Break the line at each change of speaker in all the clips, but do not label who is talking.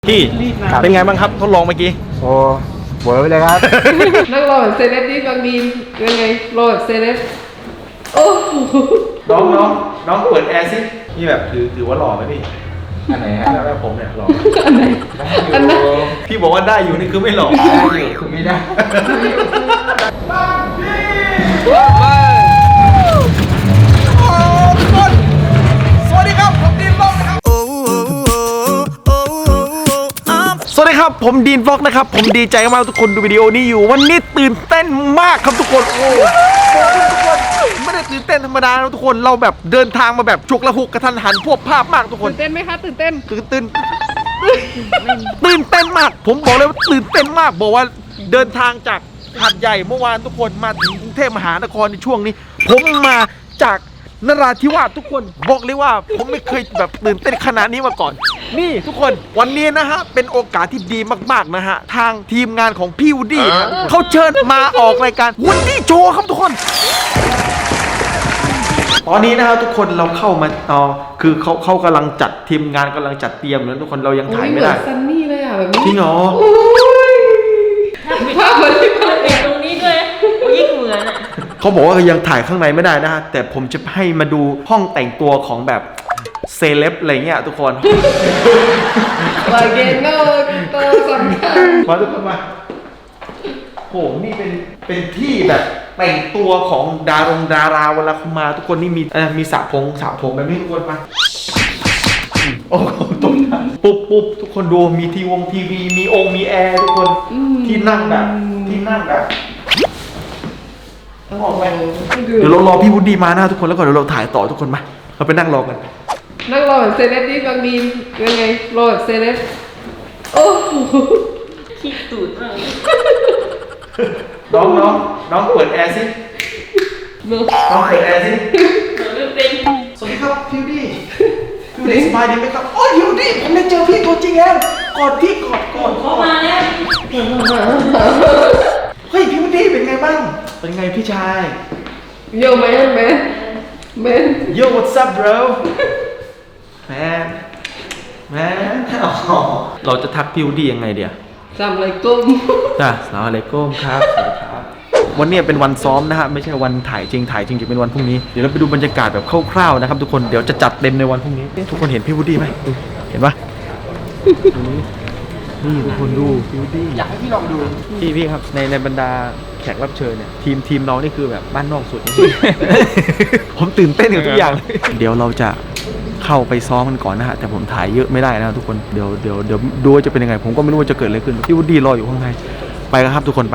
พี่เป็นไงบ้างครับทดลองเมื่อกี้
โอ้เวิร์กเลยครับ
นั่งรอแบบเซเลบนี่บางดีนยังไงรอแบบเซเลบโอ้
น้องเปิดแอร์สินี่แบบถือว่าหล่อไหมพี่
อันไหนฮะ
แบบผมเนี่ยหล่อ
อันไหนอันไหน
พี่บอกว่าได้อยู่นี่คือไม่หล่อ
ได้อยู่คือไม่ได้
สวัสดีครับผมดีนฟ็อกนะครับสวัสดีครับผมดีนฟ็อกนะครับผมดีใจมากทุกคนดูวิดีโอนี้อยู่วันนี้ตื่นเต้นมากครับทุกคนโอ้ทุกคนไม่ได้ตื่นเต้นธรรมดานะทุกคนเราแบบเดินทางมาแบบฉุกละหุกกระทันหันพวกภาพมากทุกคน
ตื่นเต้นไหมคะตื่นเต้น
ตื่นเต้นมากผมบอกเลยว่าตื่นเต้นมากบอกว่าเดินทางจากหาดใหญ่เมื่อวานทุกคนมาถึงกรุงเทพมหานครในช่วงนี้ผมมาจากนราธิวาสทุกคนบอกเลยว่าผมไม่เคยแบบตื่นเต้นขนาดนี้มาก่อนนี่ทุกคนวันนี้นะฮะเป็นโอกาสที่ดีมากๆนะฮะทางทีมงานของพี่วูดดี้เขาเชิญมาออกรายการวูดดี้โชว์ครับทุกคนตอนนี้นะครับทุกคนเราเข้ามาคือเขากำลังจัดทีมงานกำลังจัดเตรียมแล้วทุกคนเรายังถ่ายไม่ได้
ซันนี่เลยอ่ะแบบนี้
จริงเหรอ
โอ้ยภาพมันที่ภาพ
ตรงนี้ด้วยยิ่งเหมือนอ่ะ
เขาบอกว่ายังถ่ายข้างในไม่ได้นะฮะแต่ผมจะให้มาดูห้องแต่งตัวของแบบเซเลบอะไรเงี้ยทุกคน
ลาเกนเนอร์ตัวสำคัญ
มาทุกคนมาโหนี่เป็นที่แบบแต่งตัวของดาราเวลาเขามาทุกคนนี่มีสระผมแบบนี้ทุกคนมาโอ้โหตรงนั้นปุ๊บทุกคนดูมีทีวีมีแอร์ทุกคนที่นั่งแบบออกไปเดี๋ยวเรารอพี่วุฒิมานะทุกคนแล้วก่อนเดี๋ยวเราถ่ายต่อทุกคนมาเราไปนั่งรอกัน
นั่งรอแบบเซเลบนี่บางดีนยังไงรอแบบเซเลบโอ้
ขี้ตูดมาก
น้องเปิดแอร์สิน้องเปิดแอร์สิ
ไม่เป็น
สวัสดีครับพี่วุฒิพี่วุฒิสบายดีไหมครับโอ้ยพี่วุฒิผมได้เจอพี่ตัวจริงแล้วกอดพี่กอด
เขามาแล้ว
เฮ้ยพี่วุฒิเป็นไงบ้างเป็นไงพี่ชาย
โยแมน
Yo what's up bro man เราจะทักพี่วุฒิยังไงเดี๋ยว
จำอะไรก้ม
จ้ะสลามอะลัยกุมครับสวัสดีครับวันนี้เป็นวันซ้อมนะฮะไม่ใช่วันถ่ายจริงจะเป็นวันพรุ่งนี้เดี๋ยวเราไปดูบรรยากาศแบบคร่าวๆนะครับทุกคนเดี๋ยวจะจัดเต็มในวันพรุ่งนี้ทุกคนเห็นพี่วุฒิไหมดูเห็นปะนี่ทุกคนดูพี่วุฒิ
อยากให้พี่ลองดู
พี่ครับในบรรดาแขกรับเชิญเนี่ยทีมน้องนี่คือแบบบ้านนอกสุด ผมตื่นเต้นกับทุกอย่างเดี๋ยวเราจะเข้าไปซ้อมกันก่อนนะฮะแต่ผมถ่ายเยอะไม่ได้นะทุกคนเดี๋ยวดูว่าจะเป็นยังไงผมก็ไม่รู้ว่าจะเกิดอะไรขึ้นพี่วูดดี้รออยู่ข้างในไปกันครับทุกคนไป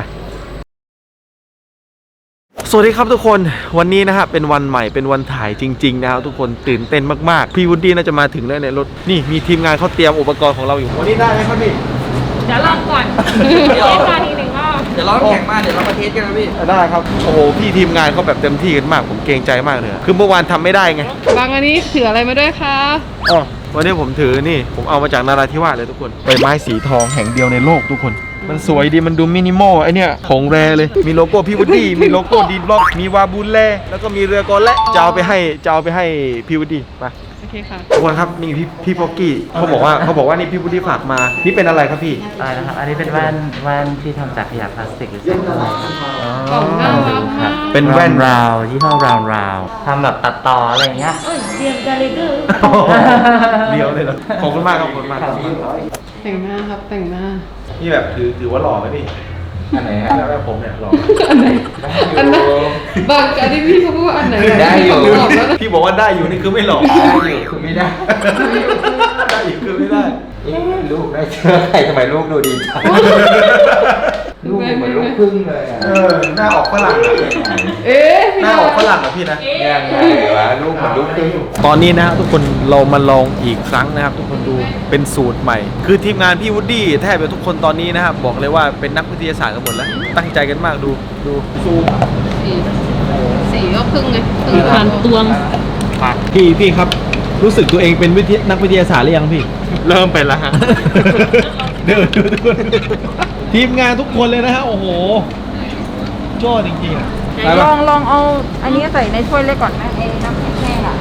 สวัสดีครับทุกคนวันนี้นะฮะเป็นวันใหม่เป็นวันถ่ายจริงๆนะครับทุกคนตื่นเต้นมากๆพี่วูดดี้น่าจะมาถึงแล้วในรถนี่มีทีมงานเขาเตรียมอุปกรณ์ของเราอยู่วันนี้ได้ไหมครับพี่
เดี๋ยวลองก่อนเดี๋ยวมาทีหนึ่งก็
เดี๋ยวเราแข่งมาเดี๋ยวเรามาเทสกันนะพี่
ได้ครับโอ้โหพี่ทีมงานเขาแบบเต็มที่กันมากผมเกรงใจมากเลยคือเมื่อวานทำไม่ได้ไง
บางอันนี้ถืออะไรมาด้วยคะ
อ๋อวันนี้ผมถือนี่ผมเอามาจากนราธิวาสเลยทุกคนใบไม้สีทองแห่งเดียวในโลกทุกคนมันสวยดีมันดูมินิมอลไอเนี่ยของแรเลยมีโลโก้พี่วูดดี้มีโลโก้ดีนบล็อกมีวาบูลแลแล้วก็มีเรือกอและจะเอาไปให้พี่วูดดี้ไป
โอเคค่ะ
ทุกคนครับนี่พี่พ็อกกี้เขาบอกว่านี่พี่วูดดี้ฝากมานี่เป็นอะไรครับพี่
อะไรนะครับ อันนี้เป็นแว่นที่ทำจากขยะพลาสติกหรือสิ่งอะไรครับ
กล่องน่ารักมาก
เป็นแว่น
ราวยี่ห้อราวทำแบบตัดต่ออะไรอย่างเงี้ย
เอ้ยเตรียมกันเลยเด้อ
เดียวเลยเหรอขอบคุณมากครับขอบคุณมากครับ
แต่งหน้าครับแต่งหน้า
นี่แบบถือว่าหล่อไหมพี่
อันไหนฮะ
แบบผมเนี่ยหล่อ
อันไหนอันไหนบางอันที่พี่เขาพูดว่าอันไหน
ได้อยู่
ตอบแล้วนะ
พี่บอกว่าได้อยู่นี่คือไม่หล่อ
ได้อยู่คือไม่ได้
ได้อยู่คือไม่ได้
เอ๊ะลูกได้เชื่อใครทำไมลูกดูดีจังลูกเหมือนลูกพึ่งเลยอ่ะ
หน้าออกฝรั่งอะ
เอ๊ะ
หน้าออกฝรั่งอะพี่นะ
ยังไงวะลูกเหมือนลูกพึ่ง
ตอนนี้นะฮะทุกคนเรามาลองอีกครั้งนะครับทุกคนดูเป็นสูตรใหม่ คือทีมงานพี่วูดดี้แทบจะทุกคนตอนนี้นะครับบอกเลยว่าเป็นนักวิทยาศาสตร์กันหมดแล้วตั้งใจกันมากดูซูม
สีก็พึ่งไง
คือผ่านตวง
พี่ครับรู้สึกตัวเองเป็นนักวิทยาศาสตร์หรือยังพี่เริ่มเป็นแล้วฮะเดี๋ยวดูทุกคนทีมงานทุกคนเลยนะฮะโอ้โหชอบจริงๆอะ
ลองเอาอันนี้ใส่ในถ้วยเล็กก่อนนะไอ้น้ำแห้งๆอ่ะ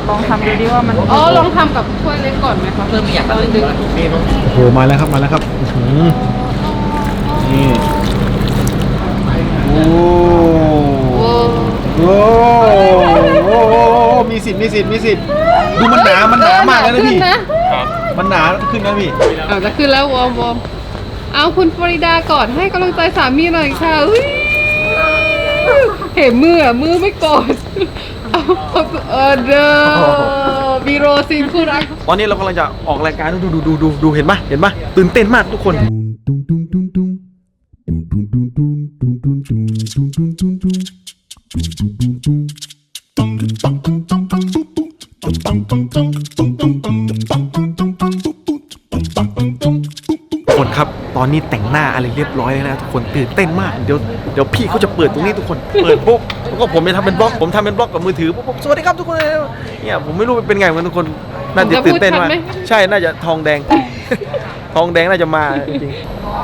ลองทำดูดิว่ามัน
อ๋อลองทำกับถ้วยเล็กก่อนไหมคะเพิ่มอยากดึง
โอ้โหมาแล้วครับมาแล้วครับอื้อหือนี่โอ้
โอ้
โหมีสิทธิ์ดูมันหนามากเลยนะพี่
ขึ้นนะ
มันหนาขึ้นนะพี่
เอาจะขึ้นแล้ววอร์มเอาคุณฟลอริดากอดให้กำลังใจสามีหน่อยค่ะอุ๊ยเห็นมือไม่กอดเอาเด้อบีโรซีนคู่รัก
ตอนนี้เรากำลังจะออกรายการดูเห็นปะตื่นเต้นมากทุกคน ทุกคนครับตอนนี้แต่งหน้าอะไรเรียบร้อยแล้วนะทุกคนตื่นเต้นมากเดี๋ยวพี่เขาจะเปิดตรงนี้ทุกคนเปิดปุ๊บแล้วก็ผมจะทำเป็นบล็อกผมทำเป็นบล็อกกับมือถือปุ๊บสวัสดีครับทุกคนเนี่ยผมไม่รู้เป็นไงเหมือนทุกคนน่าจะตื่นเต้นมากใช่น่าจะทองแดง ทองแดงน่าจะมาจริง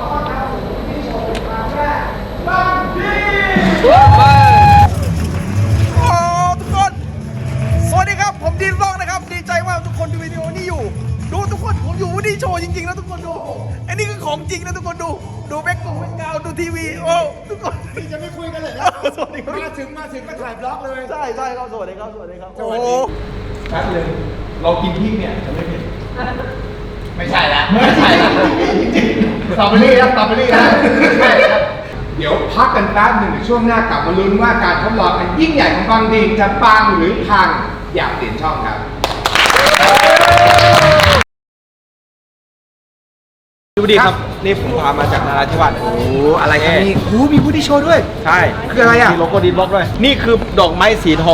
ทุกคนสวัสดีครับผมดีนบล็อกนะครับดีใจมากทุกคนดูวิดีโอนี้อยู่ดูทุกคนผมอยู่วูดดี้โชว์จริงๆนะทุกคนดูอันนี้คือของจริงนะทุกคนดูแบ็คกราวด์ดูทีวีโอ้ทุกคนจะไม่คุยกันเลยนะสวัสดีครับมาถึงก็ถ่ายบล็อกเลยใช่ครับสวัสดีครับโอ้ชัดเลยเรากินพริกเนี่ยจะไม่เผ็ด
ไม่ใช่ละสตรอเบอรี่นะเดี๋ยวพักกันแป๊บหนึ่งช่วงหน้ากลับมาลุ้นว่าการทดลองอันยิ่งใหญ่ของบางดีจะปังหรือพังอยากเปลี่ยนช่องครับ
ดูดีครับนี่ผมพามาจากนราธิวาส
โอ้อะไรครับนี่โอ้มีผู้ที่โชว์ด้วย
ใช่
คืออะไรอ่ะ
มีโลโก้ดีนบล็อกด้วยนี่คือดอกไม้สีทอง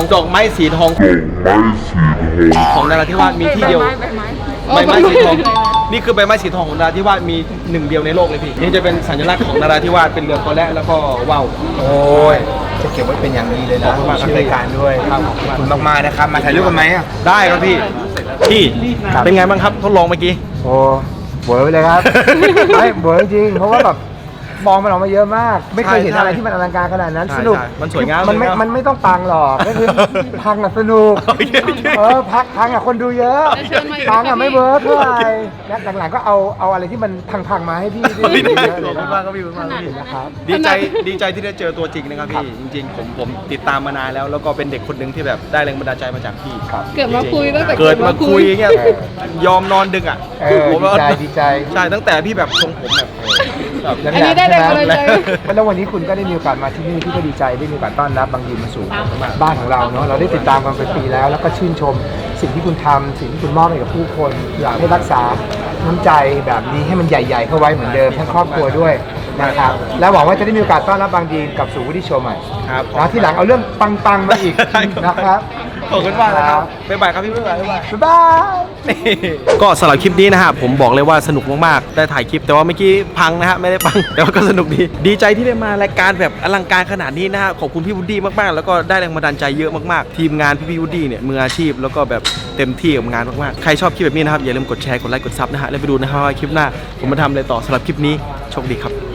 ของนราธิวาสมีที่เดียว ใบไม้สีทองนี่คือใบไม้สีทองของนราธิวาสมีหนึ่งเดียวในโลกเลยพี่นี่จะเป็นสัญลักษณ์ของนราธิวาสเป็นเรือกอและแล้วก็ว่าว
โอ้ยจะเก็บไว้เป็นอย่างดีเลยนะ
ขอบคุณมากครับ
ชื่อรายการด้วย
ครับ
ขอบคุณมากๆนะครับมาถ่ายรูปกันไหมอ่ะ
ได้ครับพี่เป็นไงบ้างครับทดลองเมื่อกี้
โอ้เวิร์กเลยครับ ไม่เวิร์กจริงเพราะว่าแบบมองมันออกมาเยอะมาก ไม่เคยเห็นอะไรที่มันอลังการขนาดนั้น
ใช่
สนุก
ใช่มันสวยงาม
มันไม่ต้องปังหรอกก็คือพังอ่ะสนุก
โอเค
พังอ่ะคนดูเยอะ
เชิญมาอีก
ปังอ่ะ
ครับ
ไม่เวิร์กเท่าไหร่และหลังๆก็เอาอะไรที่มันพังๆมาให้พี่ดู
ขอบ
เย
คุณ
อะเลยนะ
มากครับพี่ขอบคุณมากครับพี่
นะครับ
ดีใจที่ได้เจอตัวจริงนะครับพี่จริงๆผมติดตามมานานแล้วก็เป็นเด็กคนหนึ่งที่แบบได้แรงบันดาลใจมาจากพี่
เกิดมาคุยตั้งแต่
เกิดมาคุยอย่างเงี้ยยอมนอนดึกอ่ะ
ดีใจดีใจ
ใช่ตั้งแต่พี่แบบทรงผมแบบ
อันนี้ได้แรงบันดาลใจ
แล้ววันนี้คุณก็ได้มีโอกาสมาที่นี่พี่ก็ดีใจได้มีโอกาสต้อนรับบางยีนมาสู่บ้านของเราเนาะเราได้ติดตามกันเป็นปีแล้วก็ชื่นชมสิ่งที่คุณทำสิ่งที่คุณมอบให้กับผู้คนอยากให้รักษาน้ำใจแบบนี้ให้มันใหญ่ๆเข้าไว้เหมือนเดิมทั้งครอบครัวด้วยนะครับและหวังว่าจะได้มีโอกาสต้อนรับบางยีนกลับสู่วูดดี้โชว์ใหม่
ครับ
นะที่หลังเอาเรื่องปังๆมาอีกนะครับ
ขอบคุณมากนะครับบ๊ายบายครับพี่บ๊ายบาย
บ๊ายบาย
ก็สำหรับคลิปนี้นะฮะผมบอกเลยว่าสนุกมากๆได้ถ่ายคลิปแต่ว่าเมื่อกี้พังนะฮะไม่ได้พัง แต่ว่าก็สนุกดีใจที่ได้มารายการแบบอลังการขนาดนี้นะฮะขอบคุณพี่วูดดี้มากๆแล้วก็ได้แรงบันดาลใจเยอะมากๆทีมงานพี่วูดดี้เนี่ยมืออาชีพแล้วก็แบบเต็มที่กับงานมากๆใครชอบคลิปแบบนี้นะครับอย่าลืมกดแชร์กดไลค์กดซับนะฮะแล้วไปดูนะฮะว่าคลิปหน้าผมมาทำอะไรต่อสำหรับคลิปนี้โชคดีครับ